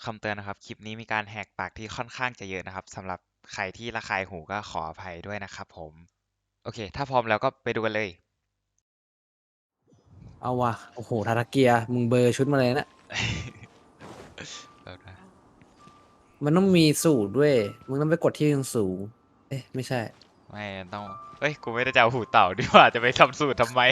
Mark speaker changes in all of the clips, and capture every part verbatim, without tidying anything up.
Speaker 1: คำเตือนนะครับคลิปนี้มีการแหกปากที่ค่อนข้างจะเยอะนะครับสำหรับใครที่ระคายหูก็ขออภัยด้วยนะครับผมโอเคถ้าพร้อมแล้วก็ไปดูกันเลย
Speaker 2: เอาว่ะโอ้โหทาราเกียมึงเบอร์ชุดมาเลยนะ
Speaker 1: แบบนะ
Speaker 2: มันต้องมีสูตรด้วยมึงต้องไปกดที่สูงเอ๊ะไม่ใช่
Speaker 1: ไม่ต้องเอ้ยกูไม่ได้จะเอาหูเต่าดีกว่าจะไปทำสูตรทำไม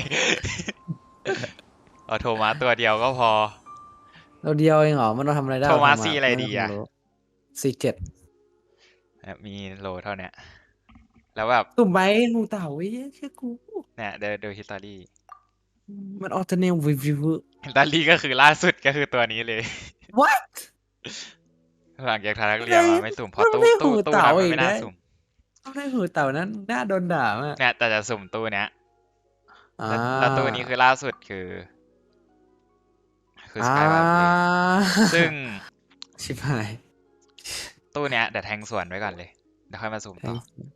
Speaker 1: เอาโทมัสตัวเดียวก็พอ
Speaker 2: เราเดียวเองเหรอมันต้องทำอะไรได้
Speaker 1: โทมัส
Speaker 2: เา
Speaker 1: สีอะไรดีอะ
Speaker 2: สี่เจ็ด
Speaker 1: มีโลเท่าเนี้ยแล้วแบบ
Speaker 2: ตุ่มไหมหูเต่าเว้ยเชื่อกู
Speaker 1: เนี่ยเดี๋ยวดูฮิสตอรี่
Speaker 2: มันออเทเนลวิวิว
Speaker 1: ฮิสตอรี่ก็คือล่าสุดก็คือตัวนี้เลย
Speaker 2: what
Speaker 1: หลังจากทารักเรียนมาไม่สุ่มเพราะตู้
Speaker 2: ไม่
Speaker 1: ตู้
Speaker 2: หู
Speaker 1: ตู้
Speaker 2: เต่า
Speaker 1: นั้นมัน
Speaker 2: อีก
Speaker 1: ไม่น่า
Speaker 2: นะ
Speaker 1: สุ่ม
Speaker 2: ต้องได้หูเต่านั้นน่าโดนด่ามาก
Speaker 1: เนี่ยแต่จะสุ่มตู้เนี้ย
Speaker 2: อ่า
Speaker 1: แล้วแล้วตู้นี้คือล่าสุดคือ คือส
Speaker 2: อ่าก
Speaker 1: ายวาร์ปซึ่ง
Speaker 2: ชิบหาย
Speaker 1: ตู้เนี้ยเดี๋ยวแทงส่วนไว้ก่อนเลย เดี๋ยวค่อยมาสุ่มต่อ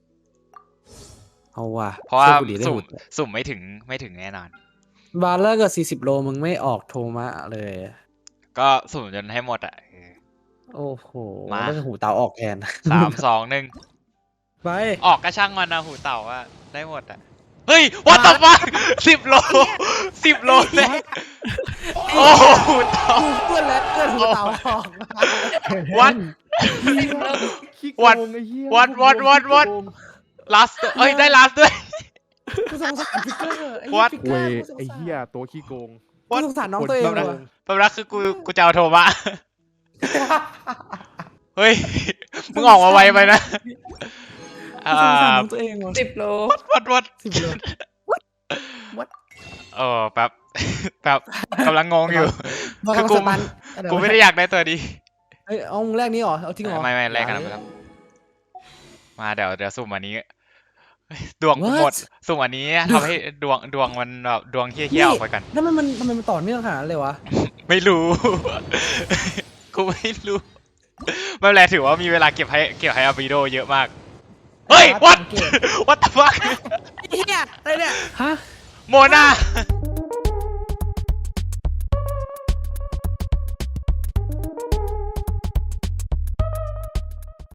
Speaker 2: เอาว่ะ
Speaker 1: เพราะว่า
Speaker 2: ชื่อกูดีได้
Speaker 1: สุ่ม
Speaker 2: หูเต่า
Speaker 1: สุ่มไม่ถึงไม่ถึงแน่นอน
Speaker 2: บาร์เลอร์กับสี่สิบโลมึงไม่ออกโทมะเลย
Speaker 1: ก็สุ่มจนให้หมดอ่ะเออ
Speaker 2: โอ้โห
Speaker 1: มา
Speaker 2: แล้วก็หูเต่าออกแทน
Speaker 1: สามสองหนึ่ง
Speaker 2: ไป
Speaker 1: ออกก็ช่างมันนะหูเต่าว่าได้หมดอ่ะ เฮ้ยวัดต่อมาสิบโลสิบโลเลยโอ้โหหูเต่า
Speaker 2: กูเพื่อนแล้วเพื่อนหูเต่าออกมา
Speaker 1: วัด
Speaker 3: ขี้โก
Speaker 1: วัด
Speaker 3: งไอ้เหี้ย
Speaker 1: วัดวัดวัดวัด ลาสเอ้ยได้ลาสด้วย
Speaker 2: กูสงสารพิกเกอร์ไอ้
Speaker 1: วัด
Speaker 2: พิกเก
Speaker 3: เว้
Speaker 2: อย ร์กูสง
Speaker 3: ไอ้
Speaker 2: สาร
Speaker 3: เหี้ยตัวขี้โกง
Speaker 2: กูสงสารน้องตัวเอง
Speaker 3: คนขี้
Speaker 2: ว่ะ
Speaker 3: โกง
Speaker 1: แป๊บนะคือกูกูจะเอาโทมะ เฮ้ย มึงออกมาไวไปนะ
Speaker 2: กู
Speaker 1: อ่า
Speaker 2: สงสารน้องตัวเองว่ะ
Speaker 4: สิบโล
Speaker 1: วัดวัด
Speaker 2: สิบโล
Speaker 1: เออแป๊บ แป๊บกำลังงงอยู่ คือกู
Speaker 2: สตัน
Speaker 1: กูไม่ได้อยากได้ตัวดี
Speaker 2: เอ้ยเอาแรกนี้เหรอเอาจริงเหรอ
Speaker 1: ไม่ไม่แลกกันนะ
Speaker 2: อย่า
Speaker 1: ไม่
Speaker 2: เลย
Speaker 1: ครับมาเดี๋ยวเดี๋ยวสุ่มอันนี้เฮ้ยดวงกู
Speaker 2: What?
Speaker 1: หมด สุ่มอันนี้ทำให้ดวงดวงมันแบบดวงเฮี้ยๆออกไปกัน
Speaker 2: แล้วมันมันทำไมมันต่อเนื่องขนาดนั้นเลยวะ
Speaker 1: ไม่รู้ กูไม่รู้ ไม่เป็นไรถือว่ามีเวลาเก็บให้เก็บให้อาบิโดเยอะมาก เฮ้ย วัด วัดตะฟัก
Speaker 2: ไอ้เหี้ยอะไรเนี่ยฮะ
Speaker 1: โมนา